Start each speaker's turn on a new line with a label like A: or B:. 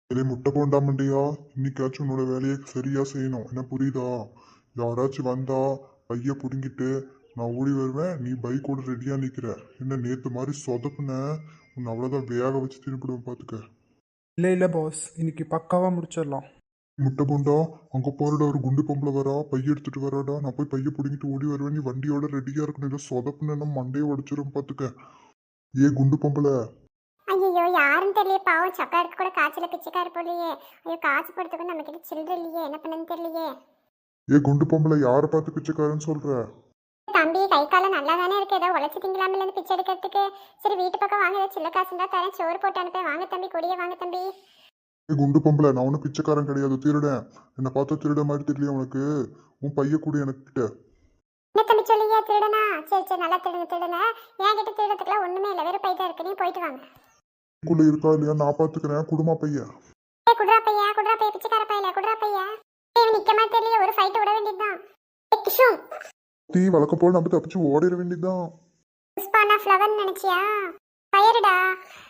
A: இதே முட்டை போண்டாமண்டியா, இன்னைக்காச்சும் உன்னோட வேலையை சரியா செய்யணும். என்ன புரியுதா? யாராச்சும் வந்தா பைய புடுங்கிட்டு நான் ஓடி வருவேன், நீ பைக்கோட ரெடியா நிக்கிற. என்ன நேத்து மாதிரி சொதப்புன, உன்னை அவ்வளவுதான் வேக வச்சு திருப்பிடுவேன் பாத்துக்க.
B: இல்லை இல்லை பாஸ், இன்னைக்கு பக்காவாக முடிச்சிடலாம்.
A: முட்டை போண்டா, அங்க பாருடா ஒரு குண்டு பொம்பளை வரா, பைய எடுத்துட்டு வராடா. நான் போய் பைய புடுங்கிட்டு ஓடி வருவேன், நீ வண்டியோட ரெடியா இருக்கணும். இல்லை சொதப்புன மண்டையை உடைச்சிரும் பாத்துக்க. ஏ குண்டு பொம்பளை.
C: ஐயோ யாருன்னு தெரியல, பாவம் சக்கருக்கு கூட காய்ச்சல பிச்சைக்காரு போலையே. ஐயோ காய்ச்சி போடுறதுக்கு நம்ம கிட்ட சில்லற இல்லையே, என்ன பண்ணன்னு தெரியலையே.
A: ஏ குண்டு பொம்பளை, யாரை பார்த்து பிச்சைக்காரன்னு சொல்ற?
C: தம்பி கை காலம் நல்லா தானே இருக்கு, ஏதோ உழைச்சி திங்கலாமில் இருந்து பிச்சை எடுக்கிறதுக்கு. சரி வீட்டு பக்கம் வாங்க, ஏதோ சின்ன காசு இருந்தா தரேன், சோறு போட்டு அனுப்பேன். வாங்க தம்பி, கொடியே வாங்க தம்பி.
A: ஏ குண்டு பொம்பளை, நான் ஒன்றும் பிச்சைக்காரன் கிடையாது, திருடன். என்னை பார்த்தா திருட மாதிரி தெரியல உனக்கு? உன் பைய கூட எனக்கு கிட்ட.
C: என்ன தம்பி சொல்லியா, திருடனா? சரி சரி, நல்லா திருடுங்க திருடுங்க. என் கிட்ட திருடத்துக்குலாம் ஒண்ணுமே இல்லை, வெறும் பைதான் இருக்கு, நீ போயிட்டு வாங்க.
A: குள்ள இருக்கா இல்லையா நான் பாத்துக்கிறேன், குடுமா பைய.
C: ஏ குடுறா பையா பிச்சைக்கார பையில குடுறா பையா. இவன் நிக்க மாதிரி தெரியல, ஒரு ஃபைட் விட வேண்டியதுதான். கிஷும்
A: தீ வழக்கம் போல நம்ம தப்பிச்சு ஓடிட வேண்டியதுதான்.
C: புஷ்பா நான் ஃப்ளவர்னு நினைச்சியா? ஃபயருடா.